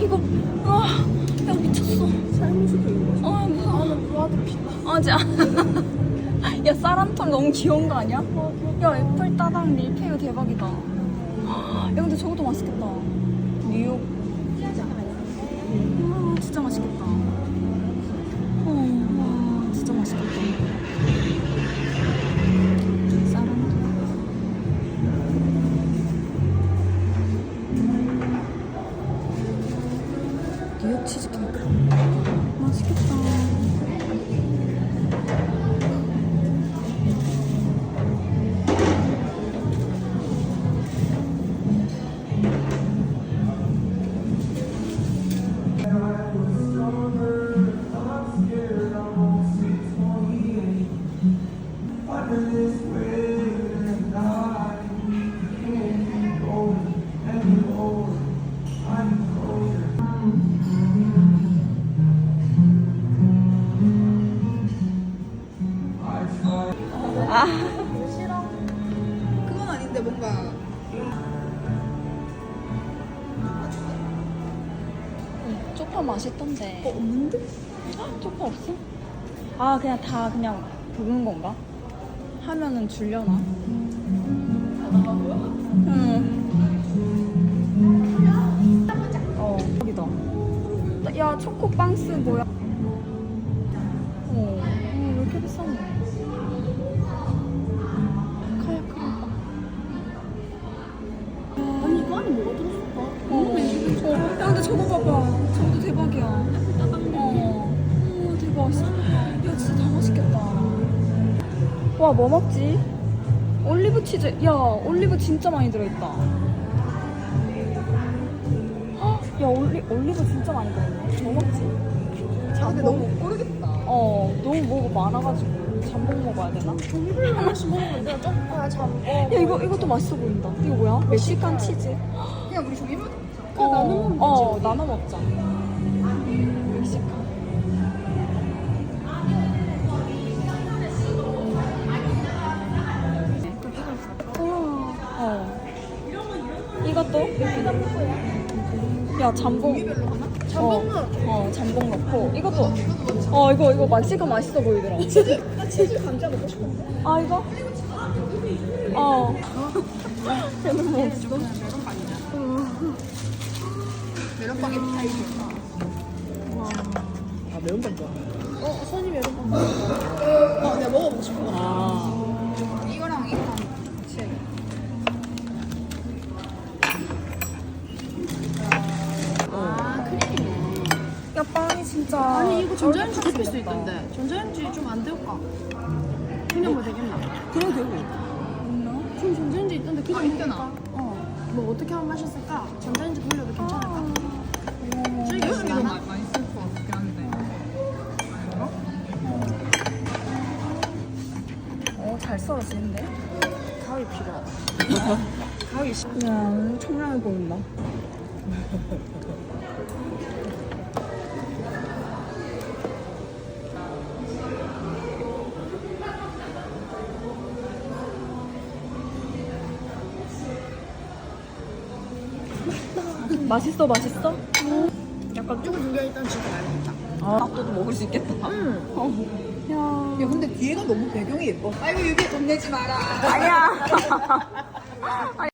이거. 와, 야, 미쳤어. 삶을 수도 있는 거지. 무서워. 나는 브라드 핏. 자. 야, 사람털 너무 귀여운 거 아니야? 야, 애플 따당 밀푀유 대박이다. 야, 근데 저것도 맛있겠다. 뉴욕. 와, 진짜 맛있겠다. 와, 진짜 맛있겠다. 사람털. 뉴욕 치즈케이크. 맛있겠다. 싫어. 그건 아닌데 뭔가. 쪽파 맛있던데. 없는데? 쪽파 없어? 그냥 다 그냥 볶은 건가? 하면은 줄려나? 여기다. 야, 초코빵스 뭐야? 왜 이렇게 비싸네? 카야크림빵. 아니 이거 안에 뭐가 들었을까? 야, 근데 저거 봐봐. 저것도 대박이야. 대박. 야, 진짜 다 맛있겠다. 와, 뭐 먹지? 올리브 치즈. 야, 올리브 진짜 많이 들어있다. 야, 올리브 진짜 많이 들어있네. 뭐 먹지? 근데 너무 모르겠다. 너무 뭐가 많아가지고 잠복 먹어야 되나? 종류별로 하나씩 먹으면 되나? 쪽파, 잠궈. 야, 이것도 맛있어 보인다. 이거 뭐야? 멕시칸 치즈. 그냥 우리 종류별로 그냥 나눠 먹으면 되지. 나눠 먹자. 멕시칸. 이것도? 야, 잠봉. 종류별로 하나? 잠봉 넣어. 잠봉 넣고. 이것도. 이거 멕시칸 맛있어 보이더라. 나 치즈 감자 먹고 싶은데. 이거? 얘는 뭐 없어? 메론빵이 파이지. 메론빵 좋아. 선이 메론빵 좋아. 내가 먹어보고 싶은 거. 이거랑 이거랑 같이 해야겠다. 크림이네. 야, 빵이 진짜. 아니 이거 전자레인지 데필 수 있던데. 전자레인지 좀 안 데울까? 그냥 뭐 되겠나? 그래, 되고. 좀 전자레인지 있던데 그거 있잖아. 뭐 어떻게 하면 맛있을까? 전자레인지 돌려도 괜찮을까? 즐기지 않아? 맛있을 것 같긴 한데. 잘 썰어지는데? 가위 필요하다. 가위 야, 청량해 보인다. 맛있어? 약간 이거 두개 일단 지금 알겠다. 밥도 먹을 수 있겠다. 야, 근데 뒤에가 너무 배경이 예뻐. 아이고 유비 돈 내지 마라. 아니야.